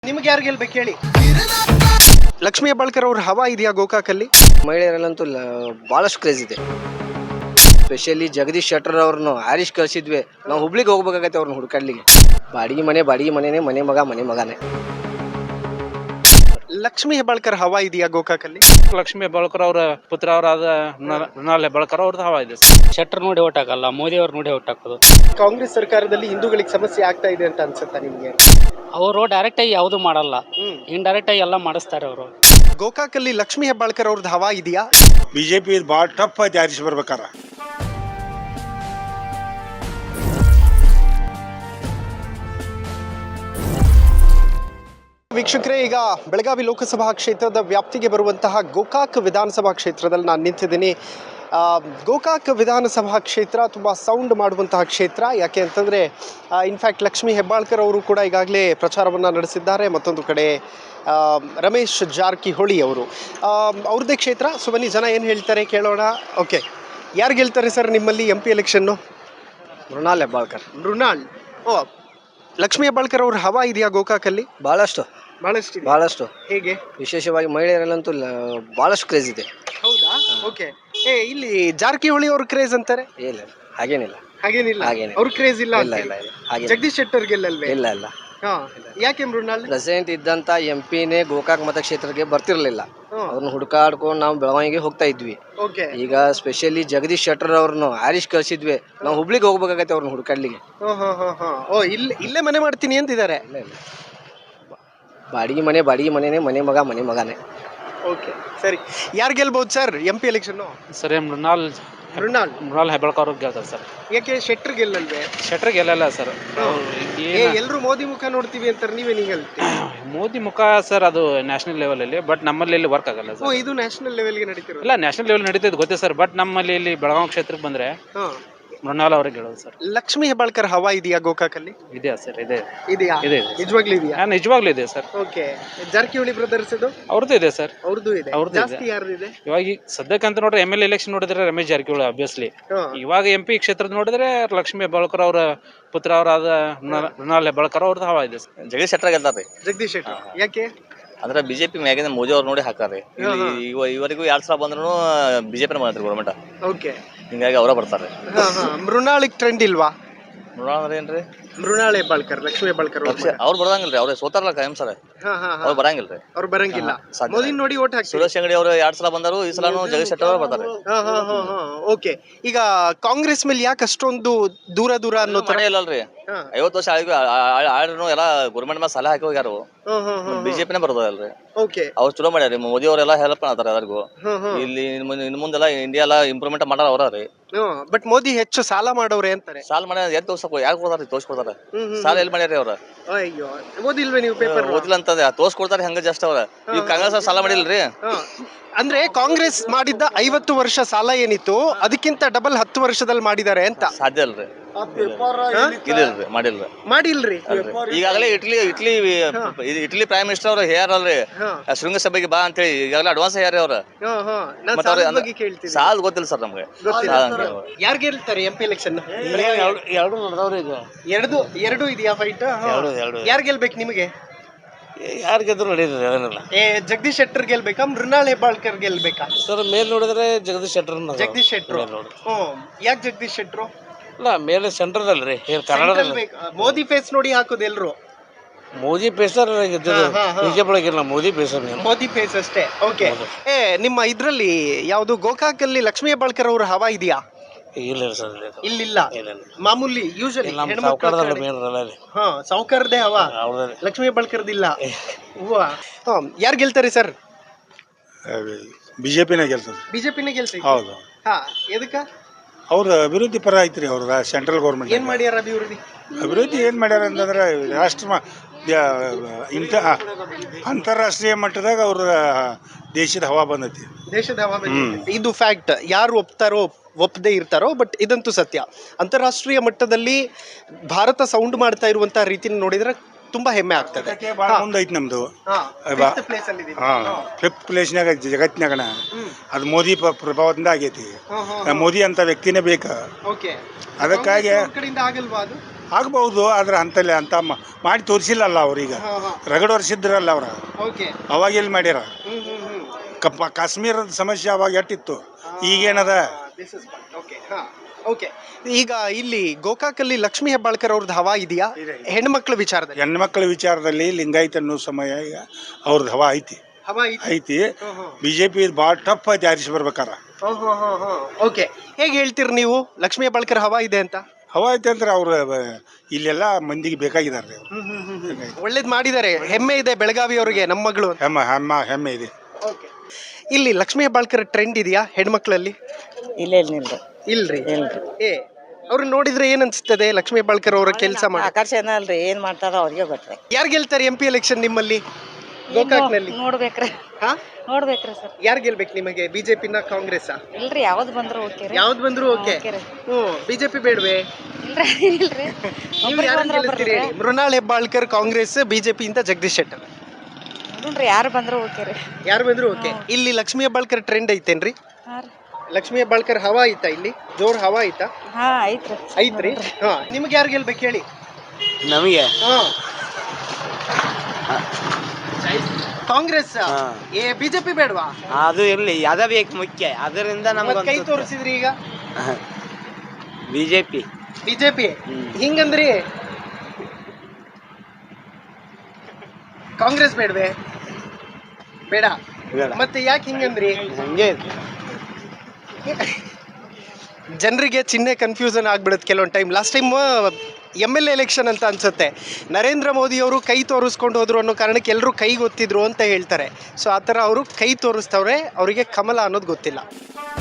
ನಿಮ್ಗೆ ಯಾರು ಗೆಲ್ಬೇಕು ಹೇಳಿ? ಲಕ್ಷ್ಮೀ ಹೆಬ್ಬಾಳ್ಕರ್ ಅವ್ರ ಹವಾ ಇದೆಯಾ ಗೋಕಾಕಲ್ಲಿ? ಮಹಿಳೆಯರಲ್ಲಂತೂ ಭಾಳಷ್ಟು ಕ್ರೇಜ್ ಇದೆ. ಸ್ಪೆಷಲಿ ಜಗದೀಶ್ ಶೆಟ್ಟರ್ ಅವ್ರನ್ನು ಆರಿಶ್ ಕಳಿಸಿದ್ವಿ. ನಾವು ಹುಬ್ಳಿಗೆ ಹೋಗ್ಬೇಕಾಗತ್ತೆ ಅವ್ರನ್ನ ಹುಡುಕಾಡ್ಲಿಕ್ಕೆ. ಬಾಡಿಗೆ ಮನೆನೇ, ಮನೆ ಮಗನೇ. ಲಕ್ಷ್ಮೀ ಹೆಬ್ಬಾಳ್ಕರ್ ಹವಾ ಇದೆಯಾ ಗೋಕಾಕಲ್ಲಿ? ಲಕ್ಷ್ಮೀ ಹೆಬ್ಬಾಳ್ಕರ್ ಅವರ ಪುತ್ರ ಅವರಾದ ಮೃಣಾಲ್ ಹೆಬ್ಬಾಳ್ಕರ್ ಅವ್ರದ್ದು ಹವಾ ಇದೆ. ಶೆಟ್ಟರ್ ನೋಡಿ ಓಟ್ ಹಾಕಲ್ಲ, ಮೋದಿ ಅವ್ರು ನೋಡಿ ಓಟ್ ಹಾಕೋದು. ಕಾಂಗ್ರೆಸ್ ಸರ್ಕಾರದಲ್ಲಿ ಹಿಂದೂಗಳಿಗೆ ಸಮಸ್ಯೆ ಆಗ್ತಾ ಇದೆ ಅಂತ ಅನ್ಸುತ್ತಾ ನಿಮ್ಗೆ? ಅವರು ಡೈರೆಕ್ಟ್ ಆಗಿ ಯಾವುದು ಮಾಡಲ್ಲ, ಇಂಡೈರೆಕ್ಟ್ ಆಗಿ ಎಲ್ಲ ಮಾಡಿಸ್ತಾರೆ ಅವರು. ಗೋಕಾಕಲ್ಲಿ ಲಕ್ಷ್ಮೀ ಹೆಬ್ಬಾಳ್ಕರ್ ಅವ್ರದ್ದು ಹವಾ ಇದೆಯಾ? ಬಿಜೆಪಿ ಭಾಳ ಟಫ್ ಐತಿ ಆರಿಸಿ ಬರ್ಬೇಕಾರ. ವೀಕ್ಷಕರೇ, ಈಗ ಬೆಳಗಾವಿ ಲೋಕಸಭಾ ಕ್ಷೇತ್ರದ ವ್ಯಾಪ್ತಿಗೆ ಬರುವಂತಹ ಗೋಕಾಕ್ ವಿಧಾನಸಭಾ ಕ್ಷೇತ್ರದಲ್ಲಿ ನಾನು ನಿಂತಿದ್ದೀನಿ. ಗೋಕಾಕ್ ವಿಧಾನಸಭಾ ಕ್ಷೇತ್ರ ತುಂಬ ಸೌಂಡ್ ಮಾಡುವಂತಹ ಕ್ಷೇತ್ರ. ಯಾಕೆ ಅಂತಂದರೆ ಇನ್ಫ್ಯಾಕ್ಟ್ ಲಕ್ಷ್ಮೀ ಹೆಬ್ಬಾಳ್ಕರ್ ಅವರು ಕೂಡ ಈಗಾಗಲೇ ಪ್ರಚಾರವನ್ನು ನಡೆಸಿದ್ದಾರೆ. ಮತ್ತೊಂದು ಕಡೆ ರಮೇಶ್ ಜಾರಕಿಹೊಳಿ ಅವರು ಅವ್ರದ್ದೇ ಕ್ಷೇತ್ರ. ಸೊ ಬನ್ನಿ ಜನ ಏನು ಹೇಳ್ತಾರೆ ಕೇಳೋಣ. ಓಕೆ, ಯಾರು ಗೆಲ್ತಾರೆ ಸರ್ ನಿಮ್ಮಲ್ಲಿ MP ಎಲೆಕ್ಷನ್ನು? ಮೃಣಾಲ್ ಹೆಬ್ಬಾಳ್ಕರ್. ಮೃಣಾಲ್. ಓ, ಲಕ್ಷ್ಮೀ ಹೆಬ್ಬಾಳ್ಕರ್ ಅವ್ರ ಹವಾ ಇದೆಯಾ ಗೋಕಾಕಲ್ಲಿ? ಭಾಳಷ್ಟು ಹೇಗೆ? ವಿಶೇಷವಾಗಿ ಮಹಿಳೆಯರಲ್ಲಂತೂ ಭಾಳಷ್ಟು ಕ್ರೇಜ್ ಇದೆ. ಹೌದಾ? ಓಕೆ. ಇಲ್ಲಿ ಜಾರಕಿಹೊಳಿ ಅವ್ರ ಕ್ರೇಜ್ ಅಂತಾರೆ. ಇಲ್ಲ, ಹಾಗೇನಿಲ್ಲ. ಹಾಗೇನಿಲ್ಲ, ಅವ್ರ ಕ್ರೇಜ್ ಇಲ್ಲ. ಹಾಗೆ ಜಗದೀಶ್ ಶೆಟ್ಟರ್ ಗೆಲ್ಲಲ್ವೇ? ಇಲ್ಲ. ಯಾಕೆ ಮೃಣಾಲ್? ಪ್ರೆಸೆಂಟ್ ಇದ್ದಂತ MP-ನೇ ಗೋಕಾಕ್ ಮತಕ್ಷೇತ್ರಕ್ಕೆ ಬರ್ತಿರ್ಲಿಲ್ಲ. ಅವ್ರನ್ನ ಹುಡುಕಾಡ್ಕೊಂಡು ನಾವು ಬೆಳಗಾವಿಗೆ ಹೋಗ್ತಾ ಇದ್ವಿ. ಈಗ ಸ್ಪೆಷಲಿ ಜಗದೀಶ್ ಶೆಟ್ಟರ್ ಅವ್ರನ್ನು ಆರಿಶ್ ಕಳಿಸಿದ್ವಿ. ನಾವು ಹುಬ್ಳಿಗೆ ಹೋಗ್ಬೇಕಾಗತ್ತೆ ಅವ್ರನ್ನ ಹುಡುಕಾಡ್ಲಿಕ್ಕೆ. ಓ, ಇಲ್ಲೇ ಮನೆ ಮಾಡ್ತೀನಿ ಅಂತಿದ್ದಾರೆ. ಬಾಡಿಗೆ ಮನೆನೇ, ಮನೆ ಮಗನೇ. ಓಕೆ, ಸರಿ. ಯಾರು ಗೆಲ್ಬಹುದು ಸರ್ MP ಎಲೆಕ್ಷನ್? ಸರಿ, ಮೃಣಾಲ್ ಹೆಬ್ಬಾಳ್ಕರ್ ಅವ್ರಿಗೆ ಗೆಲ್ತಾರೆ ಸರ್. ಯಾಕೆ ಶೆಟ್ಟರ್ ಗೆಲ್ಲಲ್ವೇ? ಶೆಟ್ಟರ್ ಗೆಲ್ಲಲ್ಲ ಸರ್. ಎಲ್ರು ಮೋದಿ ಮುಖ ನೋಡ್ತೀವಿ ಅಂತಾರೆ, ನೀವೇ ಹೇಳ್ತೀವಿ? ಮೋದಿ ಮುಖ ಸರ್, ಅದು ನ್ಯಾಷನಲ್ ಲೆವೆಲ್ ಅಲ್ಲಿ, ಬಟ್ ನಮ್ಮಲ್ಲಿ ಇಲ್ಲಿ ವರ್ಕ್ ಆಗಲ್ಲ ಸರ್. ಇದು ನ್ಯಾಷನಲ್ ಲೆವೆಲ್ಗೆ ನಡೀತಿರೋ? ಇಲ್ಲ, ನ್ಯಾಷನಲ್ ಲೆವೆಲ್ ನಡೀತದೆ ಗೊತ್ತೇ ಸರ್, ಬಟ್ ನಮ್ಮಲ್ಲಿ ಇಲ್ಲಿ ಬೆಳಗಾವಿ ಕ್ಷೇತ್ರಕ್ಕೆ ಬಂದ್ರೆ ಮೃಣಾಲ್ ಅವ್ರಿಗೆ ಗೆಳೋದು ಸರ್. ಲಕ್ಷ್ಮೀ ಹೆಬ್ಬಾಳ್ಕರ್ ಹವಾ ಇದೆಯಾ ಗೋಕಾಕಲ್ಲಿ? ಇದೆಯಾ ಸರ್? ಇದೆಯಾ? ನಿಜವಾಗ್ಲೂ ಇದೆಯಾ? ನಿಜವಾಗ್ಲೂ ಇದೆ ಸರ್. ಓಕೆ. ಜಾರಕಿಹೊಳಿ ಬ್ರದರ್ಸ್ ಅವ್ರದ್ದು ಇದೆ ಸರ್. ಅವ್ರದ್ದು ಇದೆ. ಜಾಸ್ತಿ ಯಾರ್ದಿದೆ ಇವಾಗ ಸದ್ಯಕ್ಕಂತ ನೋಡ್ರೆ MLA ಎಲೆಕ್ಷನ್ ನೋಡಿದ್ರೆ ರಮೇಶ್ ಜಾರಕಿಹೊಳಿ ಆಬ್ವಿಯಸ್ಲಿ. ಇವಾಗ MP ಕ್ಷೇತ್ರದ ನೋಡಿದ್ರೆ ಲಕ್ಷ್ಮೀ ಹೆಬ್ಬಾಳ್ಕರ್ ಅವರ ಪುತ್ರ ಅವರಾದ ಮೃಣಾಲ್ ಹೆಬ್ಬಾಳ್ಕರ್ ಅವ್ರದ್ದು ಹವಾ ಇದೆ ಸರ್. ಜಗದೀಶ್ ಶೆಟ್ಟರ್ ಗೆಲ್ತಾರೆ. ಜಗದೀಶ್ ಶೆಟ್ಟರ್ ಯಾಕೆ? ಅಂದ್ರೆ ಬಿಜೆಪಿ ಮ್ಯಾಗಿನ ಮೋದಿ ಅವ್ರು ನೋಡಿ ಹಾಕಾರೆ. ಇವರಿಗೂ 2 ಸಲ ಬಂದ್ರು ಬಿಜೆಪಿ ಮಾಡ್ತಾರೆ ಗೌರ್ಮೆಂಟ್. ಓಕೆ, ಹಿಂಗಾಗಿ ಅವರ ಬರ್ತಾರೆ. ಮೃಣಾಳಿಗೆ ಟ್ರೆಂಡ್ ಇಲ್ವಾ? ಮೃಣಾಲ್ ಅಂದ್ರೆ ಏನ್ರಿ? ಮೃಣಾಲ್ ಹೆಬ್ಬಾಳ್ಕರ್, ಲಕ್ಷ್ಮೀ ಹೆಬ್ಬಾಳ್ಕರ್ ಅವ್ರು ಬರಂಗಿಲ್ರಿ. ಅವ್ರೆ ಸೋತಾರಲ್ಲ ಕಾಯಂ ಸರ್. ಅವ್ರು ಬರಂಗಿಲ್ರಿ. ಅವ್ರು ಬರಂಗಿಲ್ಲ. ಮೋದಿ ನೋಡಿ ಓಟ್ ಹಾಕ್ತಾರೆ. ಸುರೇಶ್ ಅಂಗಡಿ ಅವರು 2 ಸಲ ಬಂದರು, ಈ ಸಲ ಜಗದೀಶ್ ಶೆಟ್ಟರ್ ಅವರು ಬರ್ತಾರೆ. ಓಕೆ. ಈಗ ಕಾಂಗ್ರೆಸ್ ಮೇಲೆ ಯಾಕೆ ಅಷ್ಟೊಂದು ದೂರ ಅನ್ನೋ ತರ? ಇಲ್ಲಲ್ರಿ, 50 ವರ್ಷ ಆಳ್ರು ಎಲ್ಲ ಗೌರ್ಮೆಂಟ್ ಮೇಲೆ ಸಲಹೆ ಹಾಕಿ ಹೋಗ್ಯಾರು. ಬಿಜೆಪಿನೇ ಬರೋದಲ್ರಿ. ಓಕೆ, ಅವ್ರು ಚಲೋ ಮಾಡ್ಯಾರಿ. ಮೋದಿ ಅವರೆಲ್ಲ ಹೆಲ್ಪ್ ಮಾಡ್ತಾರೆ ಎಲ್ಲರಿಗೂ. ಇಲ್ಲಿ ಇನ್ ಮುಂದೆಲ್ಲ ಇಂಡಿಯಾ ಎಲ್ಲ ಇಂಪ್ರೂವ್ಮೆಂಟ್ ಮಾಡಾರ ಅವ್ರಿ. ಬಟ್ ಮೋದಿ ಹೆಚ್ಚು ಸಾಲ ಮಾಡೋರೆ ಅಂತಾರೆ. ಸಾಲ ಮಾಡ್ಯಾರ, ಎದ್ ಯಾಕೆ ಕೊಡ್ತಾರೆ? ತೋರ್ಸ್ಕೊಡ್ತಾರೆ. ಸಾಲ ಎಲ್ಲಿ ಮಾಡ್ಯಾರಿ ಅವ್ರ? ಅಯ್ಯೋ, ಓದಿಲ್ವೇ ನೀವು ಪೇಪರ್? ಓದಿಲ್ಲ ಅಂತದ ತೋರ್ಸ್ಕೊಡ್ತಾರೆ ಹೆಂಗ ಜಸ್ಟ್ ಅವ್ರ. ಈಗ ಕಾಂಗ್ರೆಸ್ ಸಾಲ ಮಾಡಿಲ್ರಿ. ಅಂದ್ರೆ ಕಾಂಗ್ರೆಸ್ ಮಾಡಿದ್ದ 50 ವರ್ಷ ಸಾಲ ಏನಿತ್ತು ಅದಕ್ಕಿಂತ ಡಬಲ್ 10 ವರ್ಷದಲ್ಲಿ ಮಾಡಿದ್ದಾರೆ ಅಂತ. ಸಾಧ್ಯ ಅಲ್ರಿ. ಮಾಡಿಲ್ರಿ. ಈಗಾಗಲೇ ಇಟ್ಲಿ ಪ್ರೈಮ್ ಮಿನಿಸ್ಟರ್ ಅವ್ರು ಹೇಳ್ಯಾರಲ್ರಿ, ಶೃಂಗಸಭೆಗೆ ಬಾ ಅಂತ ಹೇಳಿ. ಈಗಾಗಲೇ ಅಡ್ವಾನ್ಸ್ ಹೇಳ್ಯಾರ ಅವ್ರ. ಸಾಲ ಗೊತ್ತಿಲ್ಲ ಸರ್ ನಮ್ಗೆ. ಯಾರು ಗೆಲ್ತಾರೆ MP ಎಲೆಕ್ಷನ್? ಎರಡು ಇದೆಯಾ ಫೈಟ್? ಯಾರು ಗೆಲ್ಬೇಕು ನಿಮಗೆ? ಯಾರು ಗೆದ್ರು ನಡೀತದೆ, ಅದನ್ನೆಲ್ಲ. ಜಗದೀಶ್ ಶೆಟ್ಟರ್ ಗೆಲ್ಬೇಕಾ, ಮೃಣಾಲ್ ಹೆಬ್ಬಾಳ್ಕರ್ ಗೆಲ್ಬೇಕಾ? ಸರ್, ಮೇಲ್ ನೋಡಿದ್ರೆ ಜಗದೀಶ್ ಶೆಟ್ಟರ್. ಯಾಕೆ ಜಗದೀಶ್ ಶೆಟ್ರು? ಇಲ್ಲ, ಮೇಲೆ ಸೆಂಟ್ರಲ್ ಅಲ್ರಿ, ಕನ್ನಡದಲ್ಲಿ. ಮೋದಿ ಫೇಸ್ ನೋಡಿ ಹಾಕೋದು ಎಲ್ರು. ಮೋದಿ ಪೇಸರ್ ಬಿಜೆಪಿ ಮೋದಿ ಪೇಸರ್. ಮೋದಿ ಫೇಸ್ ಅಷ್ಟೇ. ಓಕೆ. ನಿಮ್ಮ ಇದ್ರಲ್ಲಿ ಯಾವ್ದು ಗೋಕಾಕಲ್ಲಿ ಲಕ್ಷ್ಮೀ ಹೆಬ್ಬಾಳ್ಕರ್ ಅವ್ರ ಹವಾ ಇದೆಯಾ? ಇಲ್ಲ ಸರ್, ಇಲ್ಲ. ಮಾಮೂಲಿ ಯೂಶಲಿ ಸೌಕರ್ದೇ ಹವಾ, ಲಕ್ಷ್ಮೀ ಹೆಬ್ಬಾಳ್ಕರ್ದಿಲ್ಲ. ಯಾರು ಗೆಲ್ತಾರೆ ಸರ್? ಬಿಜೆಪಿನೇ ಗೆಲ್ತದೆ. ಬಿಜೆಪಿನೇ ಗೆಲ್ತದೆ. ಹೌದು. ಎದಕ್ಕ? ಅವ್ರ ಅಭಿವೃದ್ಧಿ ಪರ ಐತ್ರಿ. ಅವ್ರ ಸೆಂಟ್ರಲ್ ಗೌರ್ಮೆಂಟ್ ಏನ್ ಮಾಡ್ಯಾರ ಅಭಿವೃದ್ಧಿ ಏನ್ ಮಾಡ್ಯಾರ ಅಂತಂದ್ರೆ ಅಂತಾರಾಷ್ಟ್ರೀಯ ಮಟ್ಟದಾಗ ಅವ್ರ ದೇಶದ ಹವಾ ಬಂದೈತಿ. ದೇಶದ ಹವಾ ಬಂದೈತಿ. ಇದು ಫ್ಯಾಕ್ಟ್. ಯಾರು ಒಪ್ಪದೇ ಇರ್ತಾರೋ, ಬಟ್ ಇದಂತೂ ಸತ್ಯ. ಅಂತಾರಾಷ್ಟ್ರೀಯ ಮಟ್ಟದಲ್ಲಿ ಭಾರತ ಸೌಂಡ್ ಮಾಡ್ತಾ ಇರುವಂತಹ ರೀತಿ ನೋಡಿದ್ರೆ ತುಂಬಾ ಹೆಮ್ಮೆ ಆಗ್ತದೆ. ಮುಂದೈತಿ ನಮ್ದು. 5th ಪ್ಲೇಸ್ನಾಗ ಜಗತ್ತಿನಾಗಣ. ಅದು ಮೋದಿ ಪ್ರಭಾವದಿಂದ ಆಗೈತಿ. ಮೋದಿ ಅಂತ ವ್ಯಕ್ತಿನೇ ಬೇಕ. ಅದಕ್ಕಾಗಿ ಆಗ್ಬಹುದು ಆದ್ರೆ ಅಂತಲ್ಲಿ ಅಂತ ಮಾಡಿ ತೋರಿಸಿಲ್ಲಲ್ಲ ಅವ್ರೀಗ ರಗಡ್ ವರ್ಷಿದ್ರಲ್ಲ ಅವ್ರ ಓಕೆ ಅವಾಗ ಎಲ್ಲಿ ಮಾಡ್ಯಾರ ಕಾಶ್ಮೀರದ ಸಮಸ್ಯೆ ಅವಾಗ ಎಷ್ಟಿತ್ತು ಈಗೇನದ ಓಕೆ ಈಗ ಇಲ್ಲಿ ಗೋಕಾಕಲ್ಲಿ ಲಕ್ಷ್ಮೀ ಹೆಬ್ಬಾಳ್ಕರ್ ಅವ್ರದ್ದು ಹವಾ ಇದೆಯಾ ಹೆಣ್ಮಕ್ಳ ವಿಚಾರದಲ್ಲಿ? ಹೆಣ್ಮಕ್ಳ ವಿಚಾರದಲ್ಲಿ ಲಿಂಗಾಯತ್ ಅನ್ನೋ ಸಮಯ ಈಗ ಅವ್ರದ್ದು ಹವಾ ಐತಿ ಹವಾ ಐತಿ ಬಿಜೆಪಿ ಭಾಳ ಟಫ್ ಐತಿ ಆರಿಸಿ ಬರ್ಬೇಕಾರ. ಓಕೆ ಹೇಗೆ ಹೇಳ್ತೀರಿ ನೀವು ಲಕ್ಷ್ಮೀ ಹೆಬ್ಬಾಳ್ಕರ್ ಹವಾ ಇದೆ ಅಂತ? ಹವಾ ಐತಿ ಅಂದ್ರೆ ಅವ್ರು ಇಲ್ಲೆಲ್ಲ ಮಂದಿಗೆ ಬೇಕಾಗಿದ್ದಾರೆ. ಒಳ್ಳೇದ್ ಮಾಡಿದ್ದಾರೆ, ಹೆಮ್ಮೆ ಇದೆ ಬೆಳಗಾವಿ ಅವರಿಗೆ, ನಮ್ಮ ಮಗಳು. ಹೆಮ್ಮೆ ಇದೆ. ಇಲ್ಲಿ ಲಕ್ಷ್ಮೀ ಹೆಬ್ಬಾಳ್ಕರ್ ಟ್ರೆಂಡ್ ಇದೆಯಾ ಹೆಣ್ಮಕ್ಳಲ್ಲಿ? ಇಲ್ರಿ ಅವ್ರು ನೋಡಿದ್ರೆ ಏನ್ ಅನ್ಸ್ತದೆ ಲಕ್ಷ್ಮೀ ಹೆಬ್ಬಾಳ್ಕರ್ ಅವರ ಕೆಲಸ ಮಾಡಿ? ಆಕರ್ಷಣ ಅಲ್ರಿ, ಏನ್ ಮಾಡ್ತಾರ ಅವ್ರಿಗೆ ಗೊತ್ತೇ. ಯಾರು ಗೆಲ್ತಾರೆ MP ಎಲೆಕ್ಷನ್ ನಿಮ್ಮಲ್ಲಿ ಗೋಕಾಕ್ನಲ್ಲಿ? ನೋಡ್ಬೇಕ್ರಿ ನೋಡ್ಬೇಕ್ರಿ ಸರ್. ಯಾರು ಗೆಲ್ಬೇಕು ನಿಮಗೆ, ಬಿಜೆಪಿನ ಕಾಂಗ್ರೆಸ್? ಇಲ್ರಿ ಯಾವ್ದು ಬಂದ್ರು ಓಕೆ ರೀ. ಯಾವ್ದು ಬಂದ್ರು ಓಕೆ. ಬಿಜೆಪಿ ಬೇಡವೆ? ಇಲ್ರಿ ಮೃಣಾಲ್ ಹೆಬ್ಬಾಳ್ಕರ್ ಕಾಂಗ್ರೆಸ್, ಬಿಜೆಪಿ ಇಂದ ಜಗದೀಶ್ ಶೆಟ್ಟರ್. ನೋಡ್ರಿ ಯಾರು ಬಂದ್ರು ಓಕೆ ರೀ. ಯಾರು ಬಂದ್ರು ಓಕೆ. ಇಲ್ಲಿ ಲಕ್ಷ್ಮೀ ಹೆಬ್ಬಾಳ್ಕರ್ ಟ್ರೆಂಡ್ ಐತೇನ್ರಿ? ಲಕ್ಷ್ಮೀ ಹೆಬ್ಬಾಳ್ಕರ್ ಹವಾ ಐತಾ ಇಲ್ಲಿ? ಜೋರ್ ಹವಾ ಐತಾ? ಐತ್ರಿ. ನಿಮ್ಗೆ ಯಾರು ಗೆಲ್ಬೇಕು ಹೇಳಿ? ನಮಗೆ ಕಾಂಗ್ರೆಸ್. ಬಿಜೆಪಿ ಬೇಡವಾ? ಅದು ಇರ್ಲಿ, ಅದ ಬೇಕು ಮುಖ್ಯ. ಅದರಿಂದ ನಮ್ಗೆ ಕೈ ತೋರಿಸಿದ್ರಿ ಈಗ ಬಿಜೆಪಿ ಹಿಂಗಂದ್ರಿ. ಕಾಂಗ್ರೆಸ್ ಬೇಡವೆ? ಬೇಡ. ಮತ್ತೆ ಯಾಕೆ ಹಿಂಗಂದ್ರಿ? ಹಂಗೆ ಜನರಿಗೆ ಚಿಹ್ನೆ ಕನ್ಫ್ಯೂಷನ್ ಆಗ್ಬಿಡುತ್ತೆ ಕೆಲವೊಂದು time. Last time MLA election ಅಂತ ಅನ್ಸುತ್ತೆ, ನರೇಂದ್ರ ಮೋದಿ ಅವರು ಕೈ ತೋರಿಸ್ಕೊಂಡು ಹೋದ್ರು ಅನ್ನೋ ಕಾರಣಕ್ಕೆ ಎಲ್ಲರೂ ಕೈ ಗೊತ್ತಿದ್ರು ಅಂತ ಹೇಳ್ತಾರೆ. ಸೊ ಆ ಥರ ಅವರು ಕೈ ತೋರಿಸ್ತವ್ರೆ, ಅವರಿಗೆ ಕಮಲ ಅನ್ನೋದು ಗೊತ್ತಿಲ್ಲ.